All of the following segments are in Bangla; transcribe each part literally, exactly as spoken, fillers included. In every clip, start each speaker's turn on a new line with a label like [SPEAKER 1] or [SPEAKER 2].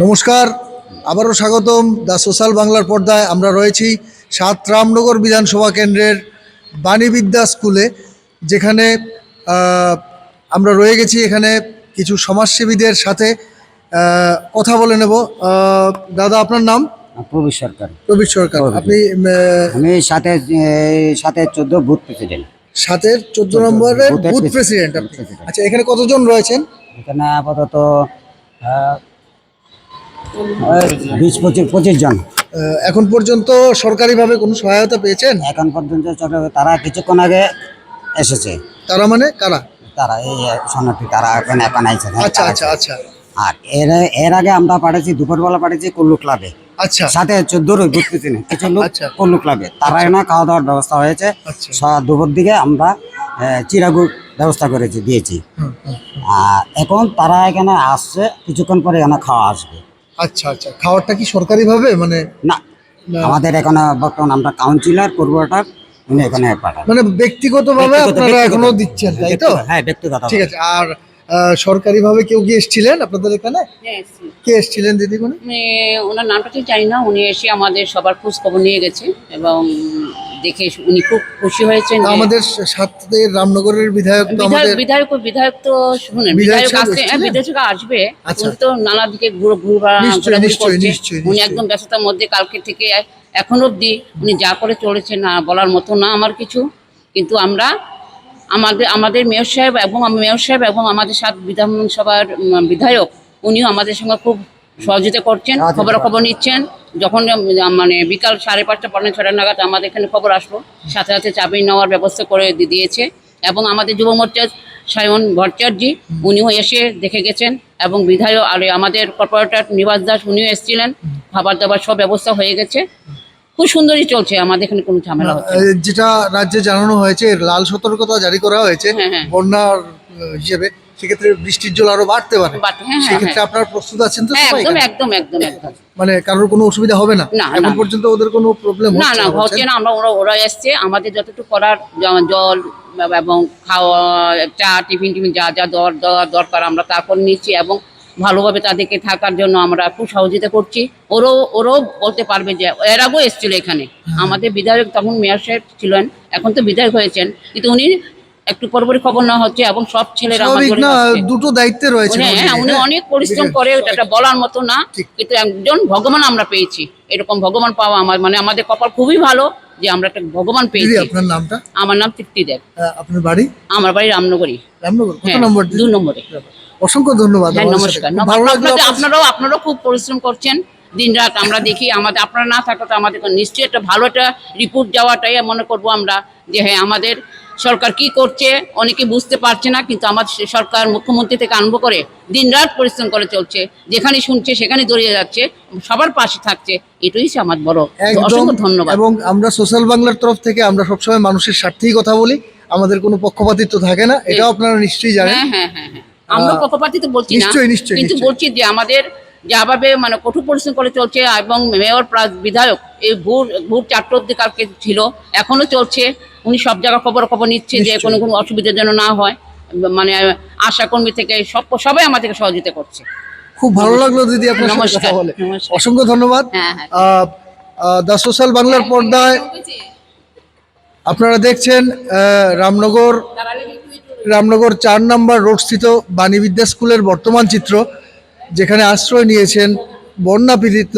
[SPEAKER 1] নমস্কার, আবারও স্বাগতম দ্য সোশ্যাল বাংলার পর্দায়। আমরা রয়েছি সাত রামনগর বিধানসভা কেন্দ্রের বাণীবিদ্যা স্কুলে, যেখানে আমরা রয়ে গেছি। এখানে কিছু সমাজসেবীদের সাথে কথা বলে নেব। দাদা, আপনার নাম?
[SPEAKER 2] প্রবীর সরকার।
[SPEAKER 1] প্রবীর সরকার। আপনি?
[SPEAKER 2] আমি সাথে সাথে চোদ্দ বুথ প্রেসিডেন্ট।
[SPEAKER 1] সাতের চোদ্দ নম্বরের বুথ প্রেসিডেন্ট। আচ্ছা, এখানে কতজন রয়েছেন?
[SPEAKER 2] এখানে আপাতত বিশ পঁচিশ পঁচিশ জন।
[SPEAKER 1] এখন পর্যন্ত সরকারিভাবে কোনো সহায়তা পেয়েছেন?
[SPEAKER 2] এখন পর্যন্ত তারা কিছুক্ষণ আগে এসেছে।
[SPEAKER 1] তারা মানে কারা?
[SPEAKER 2] তারা এই শরণার্থী, তারা এখন এখন আইছে।
[SPEAKER 1] আচ্ছা আচ্ছা আচ্ছা।
[SPEAKER 2] আর এর এর আগে আমরা পাঠাচ্ছি, দুপুরবেলা পাঠাচ্ছি কল্লু ক্লাবে।
[SPEAKER 1] আচ্ছা।
[SPEAKER 2] সাথে চোদ্দোর বুথ প্রেসিডেন্ট কিছু লোক কল্লু ক্লাবে, তারা না খাওয়া দাওয়ার ব্যবস্থা হয়েছে। দুপুর দিকে আমরা চিরাগুড় ব্যবস্থা করেছি, দিয়েছি। আর এখন তারা এখানে আসছে, কিছুক্ষণ পরে এখানে খাওয়া আসবে।
[SPEAKER 1] আচ্ছা আচ্ছা। খাওয়ারটা কি সরকারি ভাবে? মানে
[SPEAKER 2] না, আমাদের এখানে বর্তমান আমরা কাউন্সিলর কোর্পোরেটর উনি এখানে পাঠান,
[SPEAKER 1] মানে ব্যক্তিগতভাবে আপনারা এখনো দিচ্ছেন, তাই তো?
[SPEAKER 2] হ্যাঁ, ব্যক্তিগত।
[SPEAKER 1] ঠিক আছে। আর সরকারি ভাবে কেউ কি এসেছিলেন আপনাদের এখানে? কে এসেছিলেন দিদিমণি?
[SPEAKER 3] ওনার নামটা ঠিক জানি না। উনি এসে আমাদের সবার খোঁজ খবর নিয়ে গেছে এবং দেখে উনি খুব খুশি হয়েছেন।
[SPEAKER 1] আমাদের সাথের রামনগরের বিধায়ক তো আমাদের
[SPEAKER 3] বিধায়ক বিধায়ক তো শুনেন, বিধায়ক আসছে, বিদেশ থেকে আসবে। উনি তো নানা দিকে ঘোরাঘুরি করছে। উনি একদম ব্যস্ততার মধ্যে কালকে থেকে এখন অবধি উনি যা করে চলেছে, না বলার মতো না আমার কিছু। কিন্তু আমরা আমাদের আমাদের মেয়র সাহেব এবং মেয়র সাহেব এবং আমাদের সাত বিধানসভার বিধায়ক, উনিও আমাদের সঙ্গে খুব সহযোগিতা করছেন, খবরাখবর নিচ্ছেন। যখন মানে বিকাল সাড়ে পাঁচটা পৌনে ছটা নাগাদ আমাদের এখানে খবর আসলো, সাথে সাথে চাবি নেওয়ার ব্যবস্থা করে দিয়েছে। এবং আমাদের যুব মোর্চার সায়ন ভট্টাচার্য, উনিও এসে দেখে গেছেন। এবং বিধায়ক আর আমাদের কর্পোরেটর নিবাস দাস, উনিও এসেছিলেন। খাবার দাবার সব ব্যবস্থা হয়ে গেছে, খুব সুন্দরই চলছে। আমাদের এখানে কোনো ঝামেলা হচ্ছে।
[SPEAKER 1] যেটা রাজ্যে জানানো হয়েছে, লাল সতর্কতা জারি করা হয়েছে বন্যার হিসেবে, সেক্ষেত্রে বৃষ্টির জল আরো বাড়তে পারে। সেক্ষেত্রে আপনারা প্রস্তুত আছেন তো?
[SPEAKER 3] একদম একদম একদম একদম।
[SPEAKER 1] মানে কারোর কোনো অসুবিধা হবে না? এখন পর্যন্ত ওদের কোনো প্রবলেম
[SPEAKER 3] না না হচ্ছে না। আমরা ওরা ওরা এসছে, আমাদের যতটুকু করার জল এবং খাওয়া, চা, টিফিন টিফিন যা যা দরকার আমরা তা করে নিচ্ছি। এবং ভালোভাবে তাদেরকে থাকার জন্য আমরা খুব সহযোগিতা করছি। ওরও ওরও বলতে পারবে যে এর আগেও এসেছিল এখানে। আমাদের বিধায়ক তখন মেয়র সাহেব ছিলেন, এখন তো বিধায়ক হয়েছেন, কিন্তু উনি একটু পরপরই খবর নেওয়া হচ্ছে এবং সব ছেলেরা
[SPEAKER 1] দুটো দায়িত্বে রয়েছে।
[SPEAKER 3] হ্যাঁ, উনি অনেক পরিশ্রম করে, এটা বলার মতো না। কিন্তু একজন ভগবান আমরা পেয়েছি, এরকম ভগবান পাওয়া আমার মানে আমাদের কপাল খুবই ভালো যে আমরা একটা ভগবান পেয়েছি।
[SPEAKER 1] আপনার নামটা?
[SPEAKER 3] আমার নাম তৃপ্তি দেব।
[SPEAKER 1] আপনার বাড়ি?
[SPEAKER 3] আমার বাড়ি রামনগরী।
[SPEAKER 1] রামনগর কত নম্বর?
[SPEAKER 3] দুই নম্বরে।
[SPEAKER 1] অসংখ্য ধন্যবাদ।
[SPEAKER 3] নমস্কার। আপনারাও আপনারাও খুব পরিশ্রম করছেন দিন রাত, আমরা দেখি। আমাদের আপনারা না থাকলে তো আমাদের নিশ্চয়ই একটা ভালো একটা রিপোর্ট যাওয়াটাই মনে করবো আমরা, যে হ্যাঁ আমাদের সরকার কি করছে অনেকে বুঝতে পারছে না। কিন্তু আমার সরকার মুখ্যমন্ত্রী থেকে আরম্ভ করে দিন রাত পরিশ্রম করে চলছে, যেখানে শুনছে সেখানে দৌড়িয়ে যাচ্ছে, সবার পাশে থাকছে। এটাই আমার বড় অসংখ্য ধন্যবাদ।
[SPEAKER 1] এবং আমরা সোশ্যাল বাংলার তরফ থেকে আমরা সবসময় মানুষের স্বার্থেই কথা বলি, আমাদের কোনো পক্ষপাতিত্ব থাকে না, এটাও আপনারা নিশ্চয়ই জানেন।
[SPEAKER 3] হ্যাঁ হ্যাঁ হ্যাঁ হ্যাঁ, আমরা পক্ষপাতিত্ব বলছি না, কিন্তু বলছি যে আমাদের যেভাবে মানে কঠোর পরিশ্রম করে চলছে। এবং মেয়র প্লাস বিধায়ক এই ভোর ভোর চারটে অব্দি কালকে ছিল, এখনো চলছে। উনি সব জায়গায় খবর খবর নিচ্ছে যে কোনো কোনো অসুবিধা যেন না হয়। মানে আশা কর্মী থেকে সব সবাই আমাদেরকে সহযোগিতা করছে।
[SPEAKER 1] খুব ভালো লাগলো দিদি আপনার সাথে কথা বলে। অসংখ্য ধন্যবাদ। দ্য সোশ্যাল বাংলার পর্দায় আপনারা দেখছেন রামনগর রামনগর চার নম্বর রোড স্থিত বাণীবিদ্যা স্কুলের বর্তমান চিত্র, যেখানে আশ্রয় নিয়েছেন বন্যা পীড়িত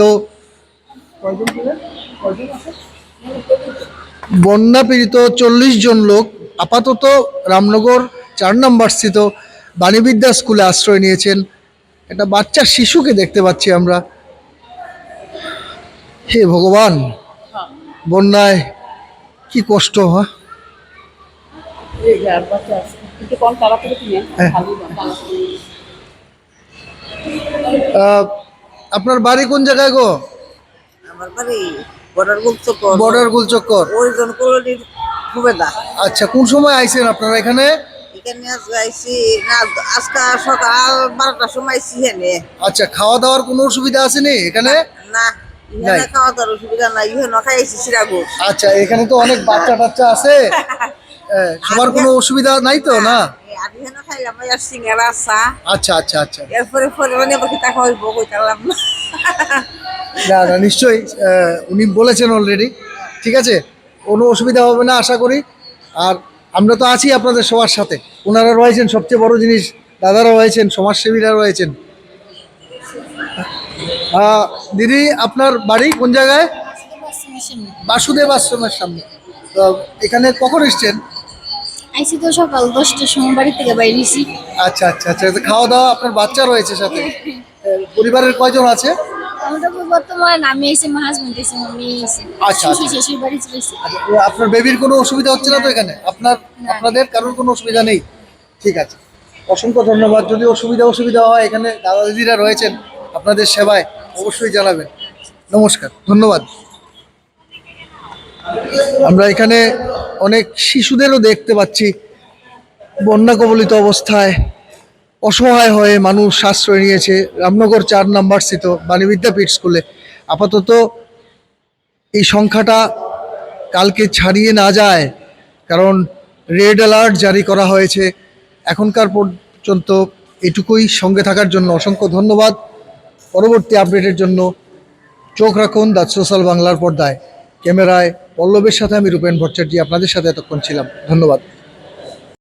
[SPEAKER 1] বন্যা পীড়িত চল্লিশ জন লোক। আপাতত রামনগর চার নম্বর স্থিত বাণীবিদ্যা স্কুলে আশ্রয় নিয়েছেন। একটা বাচ্চা শিশুকে দেখতে পাচ্ছি আমরা। হে ভগবান, বন্যায় কি কষ্ট। হ্যাঁ, আপনার বাড়ি কোন জায়গায় গো?
[SPEAKER 4] আমার বাড়ি বর্ডার গুলচক্কর।
[SPEAKER 1] বর্ডার গুলচক্কর।
[SPEAKER 4] ওইজন কলোনির সুবেদা।
[SPEAKER 1] আচ্ছা, কোন সময় আইছেন আপনারা এখানে?
[SPEAKER 4] এখানে আইছি না আজকে সকাল বারোটার সময় আইছি এখানে।
[SPEAKER 1] আচ্ছা, খাওয়া দাওয়ার কোনো অসুবিধা আছে নি এখানে?
[SPEAKER 4] না, এখানে খাওয়া দাওয়ার অসুবিধা নাই, এখানে খাইছি চিরাগুড়।
[SPEAKER 1] আচ্ছা, এখানে তো অনেক বাচ্চা টাচ্চা আছে, সবার কোনো অসুবিধা নাই তো? না,
[SPEAKER 4] আর এখানে খাইলাম আর সিঙ্গারা চা।
[SPEAKER 1] আচ্ছা আচ্ছা আচ্ছা
[SPEAKER 4] এরপরে পরে মানে বাকি টাকা হইব কইতালাম না।
[SPEAKER 1] না না নিশ্চয়ই আহ, উনি বলেছেন অলরেডি, ঠিক আছে, কোনো অসুবিধা হবে না আশা করি। আর আমরা তো আছি আপনাদের সবার সাথে, ওনারা রয়েছেন, সবচেয়ে বড় জিনিস দাদারা রয়েছেন, সমাজসেবীরা রয়েছেন। আহ, দিদি আপনার বাড়ি কোন জায়গায়? বাসুদেব আশ্রমের সামনে। তো এখানে কখন এসছেন?
[SPEAKER 5] আইসি তো সকাল দশটার সময় বাড়ি থেকে বাইরেছি।
[SPEAKER 1] আচ্ছা আচ্ছা আচ্ছা তো খাওয়া দাওয়া, আপনার বাচ্চা রয়েছে সাথে, আহ, পরিবারের কয়জন আছে?
[SPEAKER 5] আমরা তো বর্তমানে আমি এসে মা হাজবেন্ড এসে আমি এসে
[SPEAKER 1] আচ্ছা,
[SPEAKER 5] শ্বশুর
[SPEAKER 1] আচ্ছা।
[SPEAKER 5] শ্বশুর বাড়ি চলেছি।
[SPEAKER 1] আচ্ছা, ও আপনার বেবির কোনো অসুবিধা হচ্ছে না তো এখানে? আপনার আপনাদের কারোর কোনো অসুবিধা নেই? ঠিক আছে, অসংখ্য ধন্যবাদ। যদি অসুবিধা অসুবিধা হয়, এখানে দাদা দিদিরা রয়েছেন আপনাদের সেবায়, অবশ্যই জানাবেন। নমস্কার, ধন্যবাদ। আমরা এখানে অনেক শিশুদেরও দেখতে পাচ্ছি বন্যা কবলিত অবস্থায়, অসহায় হয়ে মানুষ আশ্রয় নিয়েছে রামনগর চার নাম্বার স্থিত বাণী বিদ্যাপীঠ স্কুলে। আপাতত এই সংখ্যাটা কালকে ছাড়িয়ে না যায়, কারণ রেড অ্যালার্ট জারি করা হয়েছে। এখনকার পর্যন্ত এটুকুই। সঙ্গে থাকার জন্য অসংখ্য ধন্যবাদ। পরবর্তী আপডেটের জন্য চোখ রাখুন দ্য সোশ্যাল বাংলার পর্দায়। ক্যামেরায় পল্লবের সাথে আমি রূপেন ভট্টাচার্য আপনাদের সাথে এতক্ষণ ছিলাম। ধন্যবাদ।